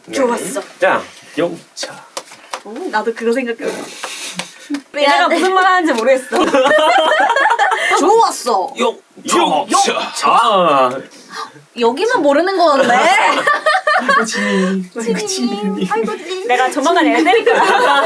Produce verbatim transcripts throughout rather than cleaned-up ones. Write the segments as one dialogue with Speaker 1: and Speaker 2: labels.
Speaker 1: 좋았어.
Speaker 2: 자, 영차.
Speaker 1: 오, 나도 그거 생각했어.
Speaker 3: 내가 무슨 말 하는지 모르겠어.
Speaker 1: 좋았어.
Speaker 2: 영, 영차. 아,
Speaker 1: 여기만 모르는 건데.
Speaker 2: 아이고 지민이. 아이고
Speaker 1: 지민이. 아이고 지민이.
Speaker 3: 내가 조만간 애 때릴 거야.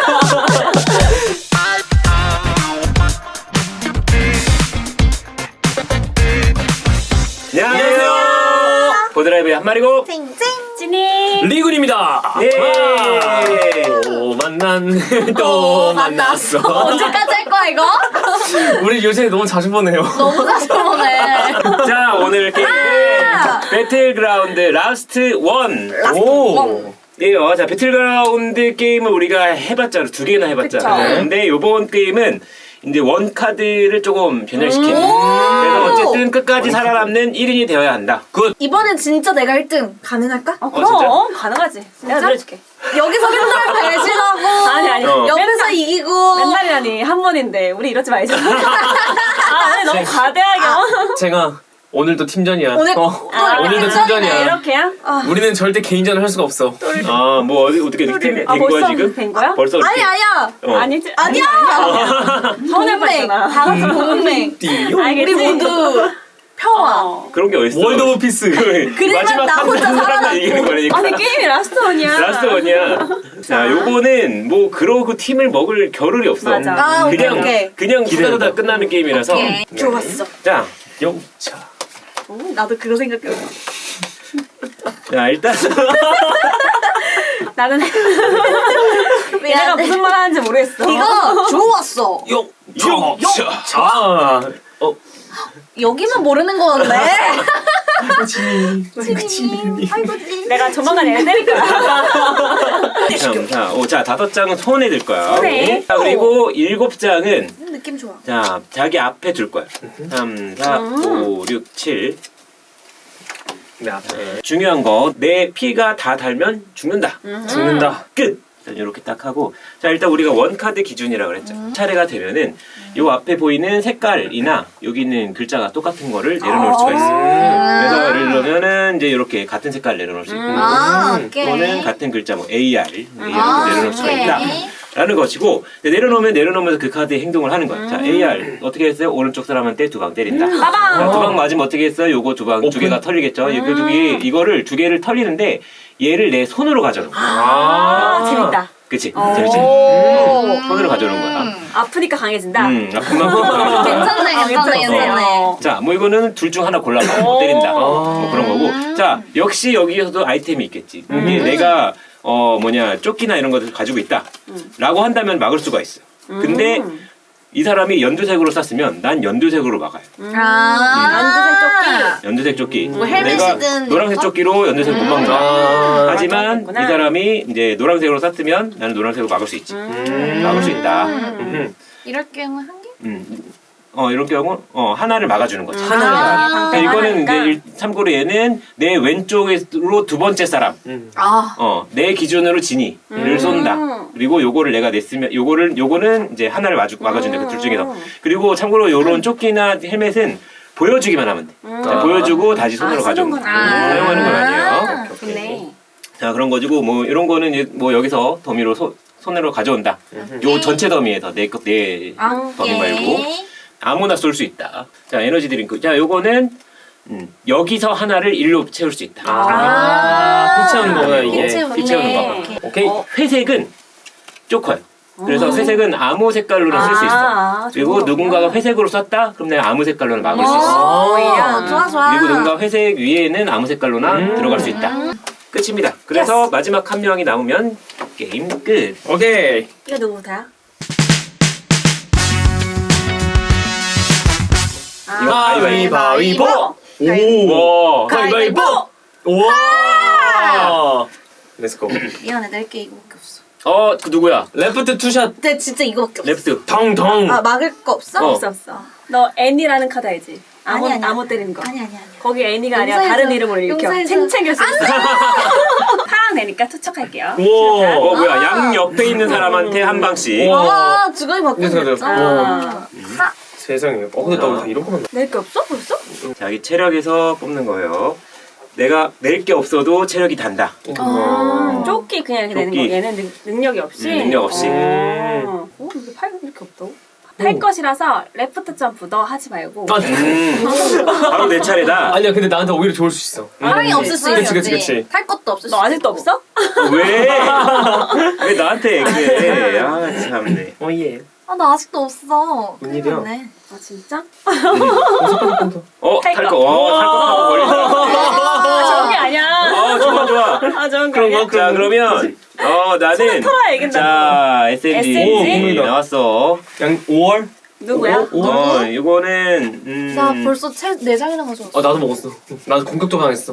Speaker 2: 안녕하세요. 보드라이브의 한 마리고
Speaker 1: 쨍쨍.
Speaker 3: 찐이.
Speaker 2: 리군입니다. 예. 또 만난 또 만났어.
Speaker 1: 언제까지 할 거야 이거?
Speaker 2: 우리 요새 너무 자주 보네요.
Speaker 1: 너무 자주 보네.
Speaker 2: 자, 오늘 게임은
Speaker 1: 아!
Speaker 2: 배틀그라운드 라스트 원.
Speaker 1: 라스트
Speaker 2: 오.
Speaker 1: 원.
Speaker 2: 예요. 자, 배틀그라운드 게임을 우리가 해봤잖아. 두 개나 해봤잖아.
Speaker 3: 그쵸.
Speaker 2: 근데 요번 게임은 이제 원 카드를 조금 변형시킨.
Speaker 1: 음.
Speaker 2: 그래서 어쨌든 끝까지 살아남는 일 인이 되어야 한다. 굿.
Speaker 1: 이번엔 진짜 내가 일 등 가능할까?
Speaker 3: 어,
Speaker 2: 진짜?
Speaker 3: 그럼 가능하지. 내가 늘려줄게.
Speaker 1: 여기서 맨날 배신하고
Speaker 3: 아니 아니.
Speaker 2: 어.
Speaker 1: 옆에서
Speaker 3: 맨날-
Speaker 1: 이기고
Speaker 3: 맨날이라니 한 번인데 우리 이러지 말자. 아, 아니, 너무 과대하게. 어?
Speaker 4: 제가 오늘도 팀전이야.
Speaker 1: 오늘
Speaker 4: 어.
Speaker 1: 또 이렇게
Speaker 4: 오늘도
Speaker 1: 팀전이네.
Speaker 4: 팀전이야.
Speaker 3: 이렇게야?
Speaker 4: 우리는 절대 개인전을 할 수가 없어.
Speaker 2: 아, 뭐 어디 어떻게 된, 된
Speaker 3: 아,
Speaker 2: 거야
Speaker 3: 벌써
Speaker 2: 지금?
Speaker 3: 된 거야?
Speaker 2: 벌써
Speaker 1: 아니
Speaker 2: 이렇게?
Speaker 1: 아니야.
Speaker 2: 어.
Speaker 3: 아니지.
Speaker 1: 아니야.
Speaker 3: 서운할
Speaker 1: 동맹. 다
Speaker 3: 뻔했잖아.
Speaker 1: 같이 동맹.
Speaker 2: 띠용?
Speaker 3: 알겠지?
Speaker 1: 우리 모두 평화.
Speaker 3: 어.
Speaker 2: 그런 게 어딨어?
Speaker 4: 월드 오브 피스.
Speaker 1: 그래만 나 혼자 살아남고.
Speaker 2: 이기는 거니까.
Speaker 3: 아니 게임이 라스트 원이야.
Speaker 2: 라스트 원이야. 자, 요거는 뭐 그러고 팀을 먹을 겨를이 없어.
Speaker 3: 맞아.
Speaker 1: 아, 오케이,
Speaker 2: 그냥
Speaker 1: 오케이.
Speaker 2: 그냥 후다다다 끝나는 게임이라서.
Speaker 1: 오케이. 좋았어.
Speaker 2: 자, 영차.
Speaker 1: 오, 나도 그거 생각했어.
Speaker 2: 자, 일단
Speaker 3: 나는 내가 무슨 말 하는지 모르겠어.
Speaker 1: 이거 좋았어.
Speaker 2: 영, 영차. 아, 어,
Speaker 1: 여기만 모르는 건데.
Speaker 4: 아이고 지민이. 아이고
Speaker 1: 지민이. 아이고 지민이.
Speaker 3: 내가 조만간 애 때릴 거야.
Speaker 2: 자, 자, 오, 자, 다섯 장은 손에 들 거야.
Speaker 3: 손에.
Speaker 2: 자, 그리고 일곱 장은
Speaker 1: 느낌 좋아.
Speaker 2: 자, 자기 앞에 둘 거야. 삼, 사, 오, 육, 칠.
Speaker 4: 내 앞에
Speaker 2: 중요한 거, 내 피가 다 달면 죽는다.
Speaker 4: 죽는다.
Speaker 2: 끝! 자, 이렇게 딱 하고. 자, 일단 우리가 원카드 기준이라고 그랬죠. 차례가 되면은 요 앞에 보이는 색깔이나 여기 있는 글자가 똑같은 거를 내려놓을 수가 있어요. 그래서 예를 들면은 이제 이렇게 같은 색깔 내려놓을 수 있고.
Speaker 1: 아, 오케이.
Speaker 2: 또는 같은 글자 뭐 에이알 이렇게
Speaker 1: 아,
Speaker 2: 내려놓을 수가
Speaker 1: 오케이.
Speaker 2: 있다. 라는 것이고 내려놓으면 내려놓으면서 그 카드의 행동을 하는 거야. 자, 에이알 어떻게 했어요? 오른쪽 사람한테 두 방 때린다.
Speaker 3: 빠방.
Speaker 2: 두 방 맞으면 어떻게 했어요? 요거 두 방 두 개가 털리겠죠. 이거 두 개, 이거를 두 개를 털리는데 얘를 내 손으로 가져놓은 거야.
Speaker 3: 아, 재밌다.
Speaker 2: 그치?
Speaker 3: 오.
Speaker 2: 재밌지? 음, 손으로 가져놓은 거야.
Speaker 3: 아프니까 강해진다.
Speaker 2: 음, 아, 금방 금방
Speaker 1: 괜찮네, 괜찮네, 괜찮네.
Speaker 3: 어.
Speaker 2: 자, 뭐 이거는 둘 중 하나 골라서 못 때린다. 뭐 그런 거고. 자, 역시 여기에서도 아이템이 있겠지. 이게 내가 어 뭐냐 조끼나 이런 것을 가지고 있다라고 한다면 막을 수가 있어. 근데 이 사람이 연두색으로 쐈으면 난 연두색으로 막아요.
Speaker 1: 아.
Speaker 2: 연두색 조끼.
Speaker 1: 뭐
Speaker 2: 내가
Speaker 1: 헬멧이든
Speaker 2: 노란색
Speaker 1: 이런 거?
Speaker 2: 조끼로 연두색 못 막는다.
Speaker 4: 아.
Speaker 2: 하지만
Speaker 3: 그렇겠구나.
Speaker 2: 이 사람이 이제 노란색으로 쐈으면 나는 노란색으로 막을 수 있지. 막을 수 있다. 음.
Speaker 1: 이럴 경우 한 개?
Speaker 2: 음. 어 이런 경우 어 하나를 막아주는 거지.
Speaker 3: 하나를
Speaker 1: 아.
Speaker 2: 자, 이거는 이제
Speaker 3: 하나니까.
Speaker 2: 일- 참고로 얘는 내 왼쪽으로 두 번째 사람.
Speaker 1: 아.
Speaker 2: 어, 내 기준으로 진이를 쏜다. 그리고 요거를 내가 냈으면 요거를 요거는 이제 하나를 마주, 막아준다. 그 둘 중에서. 그리고 참고로 요런 조끼나 헬멧은 보여주기만 하면 돼. 자, 보여주고 다시 손으로
Speaker 3: 아,
Speaker 2: 가져오는
Speaker 3: 쓰는
Speaker 2: 거.
Speaker 3: 건 아니야.
Speaker 2: 사용하는 건 아니에요.
Speaker 1: 아,
Speaker 3: 좋네.
Speaker 2: 자, 그런 거지고 뭐 이런 거는 이제 뭐 여기서 더미로 소, 손으로 가져온다. 요 전체 더미에서 내, 거- 내
Speaker 1: 아,
Speaker 2: 더미 말고 아무나 쏠 수 있다. 자, 에너지 드링크. 자, 요거는 음, 여기서 하나를 일로 채울 수 있다.
Speaker 4: 아, 피 채우는 거구나 이게.
Speaker 1: 피 채우는
Speaker 2: 피 채우는 거.
Speaker 1: 오케이.
Speaker 4: 오케이.
Speaker 2: 어, 회색은 조커요. 그래서 회색은 아무 색깔로는 쓸 수 있어.
Speaker 3: 아,
Speaker 2: 그리고
Speaker 3: 좋은
Speaker 2: 누군가가
Speaker 3: 거구나.
Speaker 2: 회색으로 썼다? 그럼 내가 아무 색깔로는 막을 수 있어.
Speaker 1: 오,
Speaker 3: 오히려.
Speaker 1: 좋아, 좋아.
Speaker 2: 그리고 누군가 회색 위에는 아무 색깔로나
Speaker 4: 음.
Speaker 2: 들어갈 수 있다. 끝입니다. 그래서 마지막 한 명이 남으면 게임 끝.
Speaker 4: 오케이.
Speaker 3: 이거 누구부터야?
Speaker 2: 이거
Speaker 4: 가위바위보.
Speaker 2: 오!
Speaker 4: 와.
Speaker 1: 가위바위보.
Speaker 4: 와. 렛츠고.
Speaker 1: 미안해, 낼게 이거밖에 없어.
Speaker 2: 어, 그 누구야?
Speaker 4: 레프트 투샷.
Speaker 1: 근데 진짜 이거밖에 없어.
Speaker 2: 레프트.
Speaker 4: 덩덩.
Speaker 1: 아, 막을 거 없어?
Speaker 2: 어.
Speaker 3: 없어 없어. 너 애니라는 카드 알지? 아무
Speaker 1: 아니, 아니.
Speaker 3: 아무 때리는 거.
Speaker 1: 아니, 아니, 아니.
Speaker 3: 거기 애니가 아니라
Speaker 1: 용서해줘.
Speaker 3: 다른 이름으로 읽혀.
Speaker 1: 용서해줘.
Speaker 3: 챙챙일 수 있어. 파랑 내니까 투척할게요.
Speaker 4: 우와.
Speaker 2: 어, 뭐야. 양 옆에 있는 사람한테 한 방씩.
Speaker 4: 우와.
Speaker 1: 아, 주거이 바꾸고
Speaker 4: 그래서
Speaker 1: 있어.
Speaker 3: 아,
Speaker 4: 세상에. 어 근데 나 이런 거만.
Speaker 3: 낼 게 없어 벌써?
Speaker 2: 자기 체력에서 뽑는 거예요. 내가 낼 게 없어도 체력이 단다.
Speaker 3: 아, 조끼 그냥 이렇게 내는
Speaker 2: 조끼.
Speaker 3: 거. 얘는 능, 능력이 없이.
Speaker 2: 음, 능력 없이.
Speaker 3: 어, 어 근데 팔 이렇게 없다고? 탈 것이라서 레프트 점프 너 하지 말고.
Speaker 4: 아,
Speaker 2: 음, 바로 내 차례다.
Speaker 4: 아니야 근데 나한테 오히려 좋을 수 있어.
Speaker 1: 사랑이
Speaker 3: 음.
Speaker 1: 없을 수
Speaker 3: 그치,
Speaker 1: 있지.
Speaker 4: 그치, 그치.
Speaker 1: 탈 것도 없을 수
Speaker 3: 너 아직도 없어?
Speaker 2: 왜? 왜 나한테 얘기해? 아 참네.
Speaker 4: 어 예.
Speaker 1: 아, 나 아직도 없어. 큰일
Speaker 4: 웬일이야?
Speaker 1: 났네.
Speaker 3: 아 진짜?
Speaker 2: 어,
Speaker 3: 탈
Speaker 2: 탈
Speaker 3: 거.
Speaker 2: 거. 어, 탈 거 타고 버리자.
Speaker 3: 아 좋은 게 아니야.
Speaker 2: 어, 좋아, 좋아.
Speaker 3: 아 좋은 거
Speaker 4: 그런
Speaker 3: 아니야.
Speaker 4: 거?
Speaker 2: 자, 그러면 어, 나는
Speaker 3: 털어야 이긴다고.
Speaker 2: 자, 에스엠지
Speaker 3: 에스엠지?
Speaker 2: 나왔어.
Speaker 4: 양 오월?
Speaker 3: 누구야?
Speaker 4: 오, 오.
Speaker 2: 어, 이거는 음.
Speaker 1: 나 벌써 채, 네 장이나 가져왔어.
Speaker 4: 아 나도 먹었어. 나도 공격도 당했어.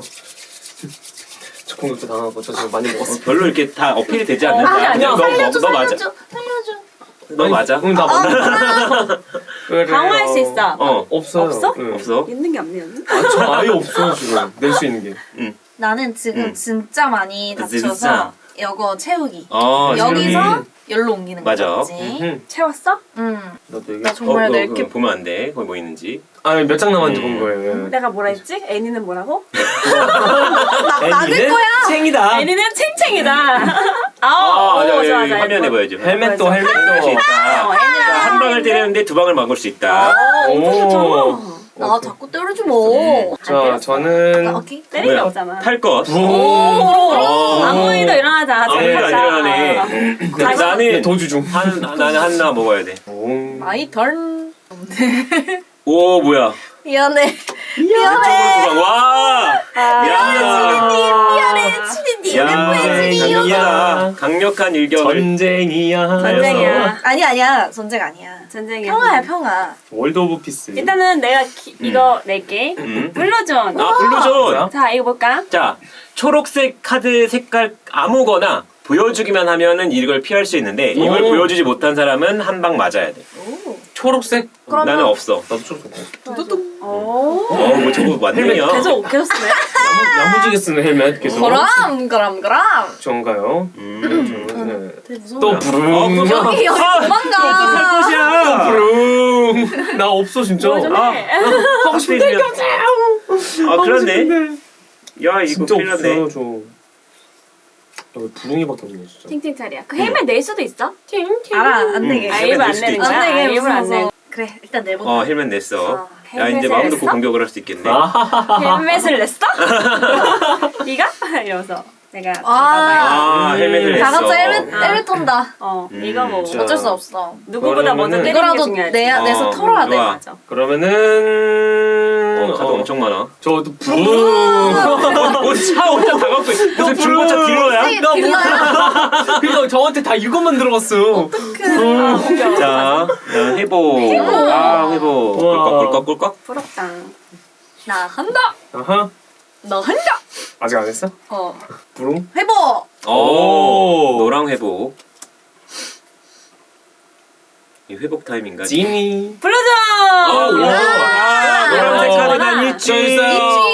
Speaker 4: 저 공격도 당하고 저 지금 많이
Speaker 2: 어,
Speaker 4: 먹었어.
Speaker 2: 별로 이렇게 다 어필이 되지
Speaker 3: 어,
Speaker 2: 않는다.
Speaker 3: 아니, 아니야.
Speaker 2: 너, 너,
Speaker 1: 살려줘,
Speaker 2: 너 맞아.
Speaker 1: 살려줘, 살려줘.
Speaker 2: 너 맞아.
Speaker 4: 응, 나 맞아. 그래요.
Speaker 3: 강화할 수 있어.
Speaker 2: 어,
Speaker 4: 없어요.
Speaker 3: 없어?
Speaker 4: 응.
Speaker 2: 없어.
Speaker 3: 있는 게 없네요.
Speaker 4: 아, 저 아예 없어요 지금 낼 수 있는 게.
Speaker 1: 나는 지금
Speaker 2: 음.
Speaker 1: 진짜 많이
Speaker 2: 진짜.
Speaker 1: 다쳐서 이거 채우기.
Speaker 2: 어,
Speaker 1: 여기서 열로 옮기는
Speaker 2: 맞아.
Speaker 1: 거지.
Speaker 4: 응.
Speaker 3: 채웠어?
Speaker 1: 응.
Speaker 4: 나도 여기.
Speaker 1: 나 정말
Speaker 2: 어, 그거,
Speaker 1: 낼게.
Speaker 2: 그거 보면 안 돼. 거기 뭐 있는지.
Speaker 4: 아니 몇 장 남았는지
Speaker 2: 음.
Speaker 4: 본 거예요.
Speaker 3: 내가 뭐라 했지? 애니는 뭐라고?
Speaker 1: 나, 나될 거야.
Speaker 4: 챙이다.
Speaker 3: 애니는 챙챙이다. 아,
Speaker 2: 아,
Speaker 3: 오,
Speaker 2: 맞아.
Speaker 3: 좋아,
Speaker 2: 여기
Speaker 3: 좋아.
Speaker 2: 화면에 보여줘.
Speaker 4: 헬멧도
Speaker 2: 할수
Speaker 4: 헬멧도.
Speaker 2: 있다.
Speaker 3: 어, 애니는
Speaker 2: 자, 한 방을 때리는데 두 방을 막을 수 있다.
Speaker 3: 어, 엄청 좋잖아.
Speaker 1: 나 자꾸 때려줘 뭐.
Speaker 4: 자
Speaker 1: 나
Speaker 4: 저는
Speaker 1: 오케이.
Speaker 3: 때릴 게
Speaker 2: 뭐야?
Speaker 3: 없잖아.
Speaker 2: 탈 것.
Speaker 4: 붕.
Speaker 2: 어.
Speaker 3: 아무 일도 일어나지 않아.
Speaker 2: 아무 일도 안 일어나네. 자,
Speaker 3: 다시-
Speaker 2: 나는
Speaker 4: 도주 중.
Speaker 2: 한 나는 하나 먹어야 돼.
Speaker 4: 붕.
Speaker 1: 마이 턴.
Speaker 2: 오 뭐야?
Speaker 1: 미안해.
Speaker 2: 왼쪽으로 두 방. 와. 미안해.
Speaker 1: 미안해. 치리님.
Speaker 2: 야,
Speaker 1: 멤버의 치리.
Speaker 2: 강력하다. 강력한 일격을.
Speaker 4: 전쟁이야.
Speaker 3: 전쟁이야.
Speaker 1: 아니 아니야. 전쟁 아니야.
Speaker 3: 전쟁이야.
Speaker 1: 평화야 평화.
Speaker 4: 월드 오브 피스.
Speaker 3: 일단은 내가 기- 이거 낼게.
Speaker 2: 음.
Speaker 3: 블루존.
Speaker 2: 아 블루존.
Speaker 3: 자, 이거 볼까?
Speaker 2: 자 초록색 카드 색깔 아무거나 보여주기만 하면은 이걸 피할 수 있는데 이걸
Speaker 4: 오.
Speaker 2: 보여주지 못한 사람은 한 방 맞아야 돼.
Speaker 1: 오.
Speaker 4: 초록색.
Speaker 1: 그러면-
Speaker 2: 나는 없어.
Speaker 4: 나도 초록색.
Speaker 1: 두두둥.
Speaker 3: 오.
Speaker 2: 어, 뭐 저거 맞네요.
Speaker 3: 계속 계속 쓰네.
Speaker 4: 야무- 야무지게 쓰는 헬멧 계속.
Speaker 1: 그럼 그럼 그럼.
Speaker 4: 전가요?
Speaker 2: 음.
Speaker 4: 저는
Speaker 1: 되게 무서워.
Speaker 4: 또
Speaker 2: 어,
Speaker 4: 부릉.
Speaker 2: 무서워.
Speaker 1: 여기 여기
Speaker 2: 아,
Speaker 1: 도망가.
Speaker 2: 것이야.
Speaker 4: 부릉. 나 없어 진짜.
Speaker 3: 뭐 좀
Speaker 2: 아.
Speaker 3: 해.
Speaker 2: 하고 싶은데. 아 그렇네. 야 이거
Speaker 4: 진짜
Speaker 2: 큰일 났네.
Speaker 4: 없어요 저. 여기 부릉이밖에 없네 진짜.
Speaker 3: 팅팅차리야. 그 헬멧 낼 수도 있어?
Speaker 1: 알아 안 되게.
Speaker 2: 음.
Speaker 3: 아,
Speaker 2: 헬멧
Speaker 3: 일부러 안
Speaker 2: 낼 수도
Speaker 3: 내는
Speaker 2: 있지.
Speaker 3: 거야?
Speaker 1: 안 되게
Speaker 3: 아, 일부러 안
Speaker 1: 무서워.
Speaker 3: 내는
Speaker 1: 그래 일단 내보자.
Speaker 2: 어 헬멧 냈어.
Speaker 3: 어,
Speaker 2: 야 이제
Speaker 3: 헬멧을
Speaker 2: 마음 놓고
Speaker 3: 냈어?
Speaker 2: 공격을 할 수 있겠네.
Speaker 4: 아.
Speaker 3: 헬멧을 냈어? 네가? 이러면서 내가
Speaker 1: 아.
Speaker 2: 아 헬멧을 냈어.
Speaker 1: 다 같이 헬멧
Speaker 3: 아.
Speaker 1: 헬멧 턴다.
Speaker 3: 어
Speaker 2: 음,
Speaker 3: 이거 뭐
Speaker 4: 자.
Speaker 1: 어쩔 수 없어.
Speaker 3: 누구보다 먼저
Speaker 4: 그러면은-
Speaker 3: 때리는 게
Speaker 1: 이거라도
Speaker 3: 중요하지.
Speaker 1: 내야 내서
Speaker 2: 어,
Speaker 1: 털어야 돼.
Speaker 2: 좋아.
Speaker 3: 맞아.
Speaker 4: 그러면은
Speaker 2: 어, 카드 엄청 많아.
Speaker 4: 저도 부릉.
Speaker 2: 옷차 혼자 다 갖고 있어. 무슨 중고차 딜러야?
Speaker 1: 혹시 딜러야?
Speaker 4: 그러니까 저한테 다 이것만 들어갔어.
Speaker 1: 그
Speaker 2: 자, 자, 회복. 아, 회복.
Speaker 4: 우와.
Speaker 2: 꿀꺽, 꿀꺽, 꿀꺽.
Speaker 3: 부럽다.
Speaker 1: 나 한다.
Speaker 4: 아하.
Speaker 1: 너 한다.
Speaker 4: 아직 안 했어?
Speaker 1: 어.
Speaker 4: 부릉?
Speaker 1: 회복.
Speaker 2: 오, 노랑 회복. 이 회복 타임인가?
Speaker 4: 지니.
Speaker 3: 불러줘.
Speaker 2: 어, 우와. 아, 노란색
Speaker 4: 어.
Speaker 2: 카드가 있지.
Speaker 4: 저 있어요.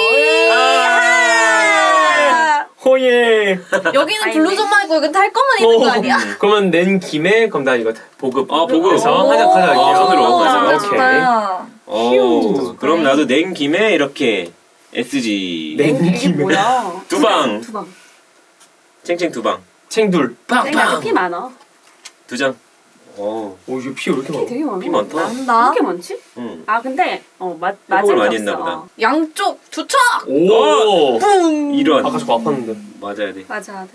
Speaker 1: 아.
Speaker 4: 호예.
Speaker 1: 여기는
Speaker 3: 아니네.
Speaker 1: 블루존만 있고 여기 탈 거만 있는 거 아니야?
Speaker 4: 그러면 낸 김에 그럼 나 이거 보급.
Speaker 2: 어, 보급.
Speaker 4: 해서
Speaker 2: 오.
Speaker 4: 하나 가져갈게요.
Speaker 2: 어, 손으로.
Speaker 1: 오,
Speaker 2: 맞아.
Speaker 1: 진짜
Speaker 4: 오케이.
Speaker 1: 좋다.
Speaker 2: 오, 그럼 나도 낸 김에 이렇게 에스지.
Speaker 4: 낸
Speaker 3: 이게
Speaker 4: 김에.
Speaker 3: 뭐야?
Speaker 2: 두 방.
Speaker 3: 두 방.
Speaker 2: 챙챙 두 방.
Speaker 4: 챙둘.
Speaker 3: 내가 피 많아.
Speaker 2: 두 장. 오,
Speaker 4: 오 이거 피 왜 이렇게
Speaker 3: 피
Speaker 4: 많아?
Speaker 3: 되게 많아.
Speaker 2: 피 많다.
Speaker 3: 왜
Speaker 1: 난다.
Speaker 3: 이렇게 많지?
Speaker 2: 응.
Speaker 3: 아 근데 어 맞
Speaker 2: 회복을
Speaker 3: 맞을 게
Speaker 2: 많이
Speaker 3: 없어.
Speaker 2: 했나 보다.
Speaker 3: 어.
Speaker 1: 양쪽 두 척.
Speaker 4: 오.
Speaker 1: 뿡.
Speaker 2: 이런.
Speaker 4: 아까 저거 아팠는데.
Speaker 2: 맞아야 돼.
Speaker 3: 맞아 맞아.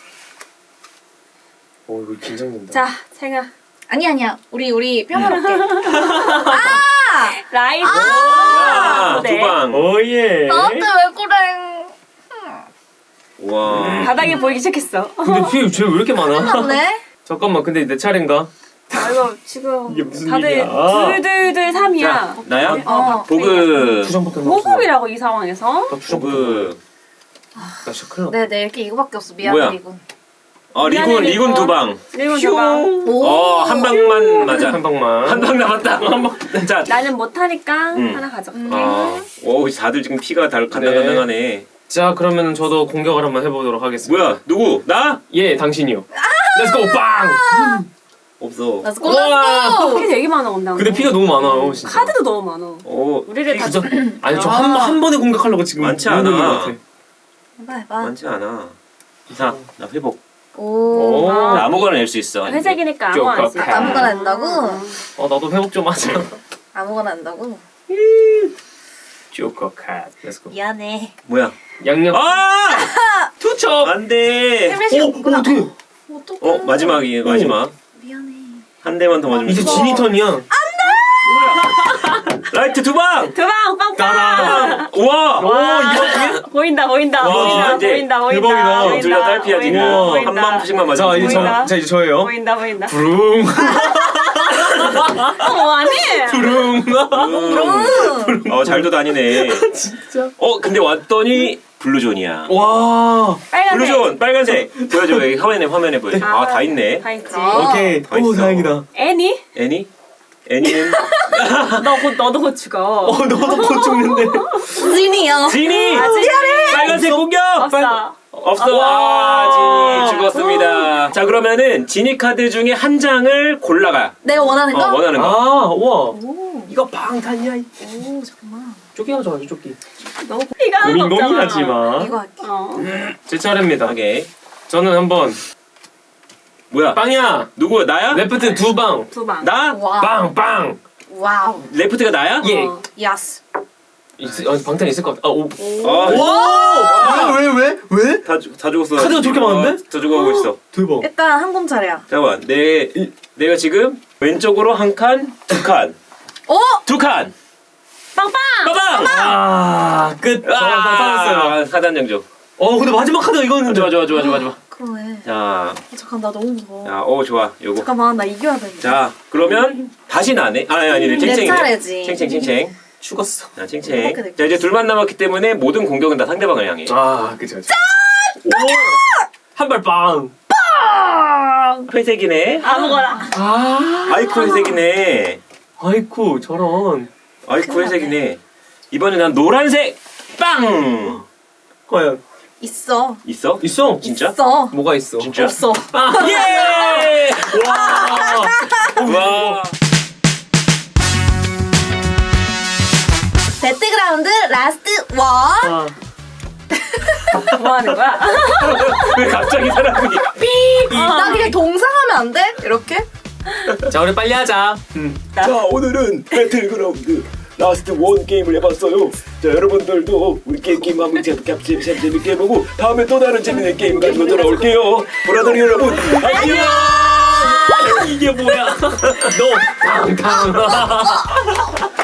Speaker 4: 오 이거 긴장된다.
Speaker 3: 자 생아
Speaker 1: 아니 아니야. 우리 우리 평화롭게.
Speaker 3: 라이브.
Speaker 2: 야,
Speaker 3: 네.
Speaker 2: 두 방.
Speaker 4: 오예.
Speaker 1: 나한테 왜 그래?
Speaker 2: 와.
Speaker 3: 바닥에 보이기 시작했어.
Speaker 4: 근데 피쟤 왜 이렇게 많아?
Speaker 1: 맞네.
Speaker 4: 잠깐만 근데 내 차례인가?
Speaker 3: 아 이거 지금
Speaker 4: 이게 무슨
Speaker 3: 다들
Speaker 4: 일이야?
Speaker 3: 둘둘둘 삼이야.
Speaker 2: 자, 나야?
Speaker 1: 어.
Speaker 2: 보급.
Speaker 4: 두 장밖에 안 남았어.
Speaker 3: 호흡이라고 이 상황에서.
Speaker 4: 나두 장밖에 안
Speaker 2: 보급.
Speaker 4: 남았어. 나 진짜 큰일 났다.
Speaker 1: 네, 네 이렇게 이거밖에 없어. 미안해
Speaker 2: 뭐야?
Speaker 1: 이거.
Speaker 2: 어, 리군,
Speaker 3: 미안해,
Speaker 2: 리군
Speaker 3: 리군.
Speaker 2: 두 방.
Speaker 3: 그리고 누가
Speaker 1: 오.
Speaker 2: 어, 한 방만 맞아.
Speaker 4: 한 방만.
Speaker 2: 한 방 남았다. 한 방. 자,
Speaker 3: 나는 못하니까
Speaker 2: 음.
Speaker 3: 하나 가져갈게.
Speaker 1: 음.
Speaker 2: 아, 오, 다들 지금 피가 다 간당간당하네.
Speaker 4: 자 그러면 저도 공격을 한번 해보도록 하겠습니다.
Speaker 2: 뭐야, 누구? 나?
Speaker 4: 예 당신이요. 렛츠고 빵.
Speaker 2: 없어.
Speaker 1: Let's go, let's go.
Speaker 3: 피 되게 많아 온다.
Speaker 4: 근데 피가 너무 많아요 진짜.
Speaker 3: 카드도 너무 많아.
Speaker 2: 오,
Speaker 3: 우리를 다
Speaker 4: 진짜 아니 저 한 한 번에 공격하려고 지금
Speaker 2: 많지
Speaker 4: 모으고 있는
Speaker 2: 않아.
Speaker 4: 것 같아.
Speaker 1: 해봐 해봐.
Speaker 2: 많지 않아. 자, 나 회복.
Speaker 1: 오.
Speaker 4: 오.
Speaker 2: 나 아무거나 낼 수 있어.
Speaker 3: 회색이니까 아무거나 할수 있어.
Speaker 1: 아무거나 한다고?
Speaker 4: 어 나도 회복 좀 하자.
Speaker 1: 아무거나 한다고?
Speaker 4: 조커 캣. Let's go.
Speaker 1: 미안해.
Speaker 2: 뭐야?
Speaker 4: 양념.
Speaker 2: 아!
Speaker 4: 투첩.
Speaker 2: 안 돼.
Speaker 1: 헬멧이
Speaker 4: 오,
Speaker 1: 없구나.
Speaker 4: 오, 어떡해.
Speaker 1: 어떡해.
Speaker 2: 어, 마지막이 마지막.
Speaker 1: 미안해.
Speaker 2: 한 대만 더 맞으면
Speaker 4: 이제
Speaker 2: 돼.
Speaker 4: 진이 턴이야.
Speaker 2: 라이트 두 방.
Speaker 3: 두방 빵빵.
Speaker 4: 따란.
Speaker 2: 우와!
Speaker 4: 오 이거
Speaker 3: 보인다 보인다
Speaker 2: 와,
Speaker 3: 보인다
Speaker 2: 이제
Speaker 3: 보인다 보인다.
Speaker 4: 대박이다.
Speaker 3: 보인다,
Speaker 2: 둘 다 딸피야 지금.
Speaker 3: 보인다,
Speaker 2: 한
Speaker 3: 보인다.
Speaker 2: 방씩만
Speaker 4: 자
Speaker 2: 맞으면
Speaker 4: 이제
Speaker 2: 돼.
Speaker 3: 보인다.
Speaker 4: 저, 자 이제 저예요.
Speaker 3: 보인다 보인다.
Speaker 4: 부릉.
Speaker 3: 어 뭐하니?
Speaker 4: 부릉.
Speaker 2: 음. 어, 잘도 다니네.
Speaker 4: 진짜.
Speaker 2: 어, 근데 왔더니 블루존이야.
Speaker 4: 와.
Speaker 3: 빨간색.
Speaker 2: 블루존 빨간색. 보여줘. 여기 화면에 화면에 보여. 아, 다 있네.
Speaker 3: 다 있지.
Speaker 1: 아.
Speaker 4: 오케이.
Speaker 2: 다
Speaker 4: 오
Speaker 2: 있어.
Speaker 4: 다행이다.
Speaker 3: 애니?
Speaker 2: 애니? 애니는
Speaker 3: 너 곧 너도 곧 죽어.
Speaker 4: 어 너도 곧 죽는데.
Speaker 1: 진이요.
Speaker 2: 지니.
Speaker 3: 아, 진이.
Speaker 2: 빨간색 공격.
Speaker 3: 없어.
Speaker 2: 없어. 아, 지니 죽었습니다. 자, 그러면은 지니 카드 중에 한 장을 골라가.
Speaker 1: 내가 원하는 거?
Speaker 2: 어, 원하는 거.
Speaker 4: 아 우와.
Speaker 1: 오.
Speaker 4: 이거 방탄이야.
Speaker 1: 오 잠깐만.
Speaker 4: 쪼끼 하자 쪼끼.
Speaker 3: 너무 피가 하는 거
Speaker 4: 고민
Speaker 3: 없잖아.
Speaker 4: 고민하지 마.
Speaker 1: 이거 할게.
Speaker 3: 어.
Speaker 4: 제 차례입니다.
Speaker 2: 오케이.
Speaker 4: 저는 한번
Speaker 2: 뭐야?
Speaker 4: 빵이야.
Speaker 2: 누구? 나야?
Speaker 4: 레프트 두 방.
Speaker 3: 두 방.
Speaker 2: 나?
Speaker 1: 와.
Speaker 4: 빵 빵.
Speaker 1: 와우.
Speaker 2: 레프트가 나야?
Speaker 4: 예.
Speaker 3: 어.
Speaker 1: 야스.
Speaker 4: 있, 어, 방탄 있을 것 같아. 아 오.
Speaker 2: 아,
Speaker 4: 와. 왜 왜 왜? 왜?
Speaker 2: 다, 죽- 다 죽었어.
Speaker 4: 카드가 저렇게 많은데?
Speaker 2: 어, 다 죽어가고 있어.
Speaker 4: 대박.
Speaker 1: 일단 한 공 차례야.
Speaker 2: 잠깐만. 내, 내가 지금 왼쪽으로 한 칸, 두 칸.
Speaker 1: 오.
Speaker 2: 두 칸!
Speaker 3: 빵빵.
Speaker 2: 빠방!
Speaker 4: 아 끝. 저는 방탄했어요.
Speaker 2: 아, 사단 정조.
Speaker 4: 어 근데 마지막 카드가 이거였는데.
Speaker 2: 좋아, 좋아, 좋아, 좋아, 좋아.
Speaker 1: 그러네.
Speaker 2: 자,
Speaker 1: 어, 잠깐 나 너무 무서워.
Speaker 2: 자, 오, 좋아. 요거.
Speaker 1: 잠깐만 나 이겨야 돼.
Speaker 2: 자, 그러면 다시 나네. 아, 아니, 아니,
Speaker 1: 내
Speaker 2: 챙챙이네.
Speaker 1: 차례지.
Speaker 2: 챙챙, 챙챙.
Speaker 4: 죽었어.
Speaker 2: 자, 챙챙.
Speaker 1: 이렇게 됐지.
Speaker 2: 자, 이제 둘만 남았기 때문에 모든 공격은 다 상대방을 향해.
Speaker 4: 아 그쵸 그쵸. 한발 빵.
Speaker 2: 회색이네.
Speaker 3: 아무거나.
Speaker 4: 아.
Speaker 2: 아이쿠 회색이네.
Speaker 4: 아이쿠 저런.
Speaker 2: 아이쿠 회색이네. 이번에 난 노란색! 빵!
Speaker 4: 과연
Speaker 1: 있어.
Speaker 2: 있어?
Speaker 4: 있어?
Speaker 2: 진짜?
Speaker 1: 있어.
Speaker 4: 뭐가 있어?
Speaker 2: 진짜?
Speaker 1: 없어.
Speaker 2: 예!
Speaker 4: 와.
Speaker 2: 와.
Speaker 1: 배틀그라운드 라스트 원.
Speaker 4: 아.
Speaker 3: 뭐 하는 거야?
Speaker 2: 왜 갑자기 사람이
Speaker 1: 나 그냥 동상하면 안 돼? 이렇게?
Speaker 4: 자 우리 빨리 하자. 음.
Speaker 2: 자, 오늘은 배틀그라운드 라스트 원 게임을 해봤어요. 자, 여러분들도 우리 게임 게임 한번 재밌게 재밌게 해보고 다음에 또 다른 재밌는 게임을 가지고 돌아올게요. 보라돌이 여러분, 안녕!
Speaker 4: 이게 뭐야? 너 방탄.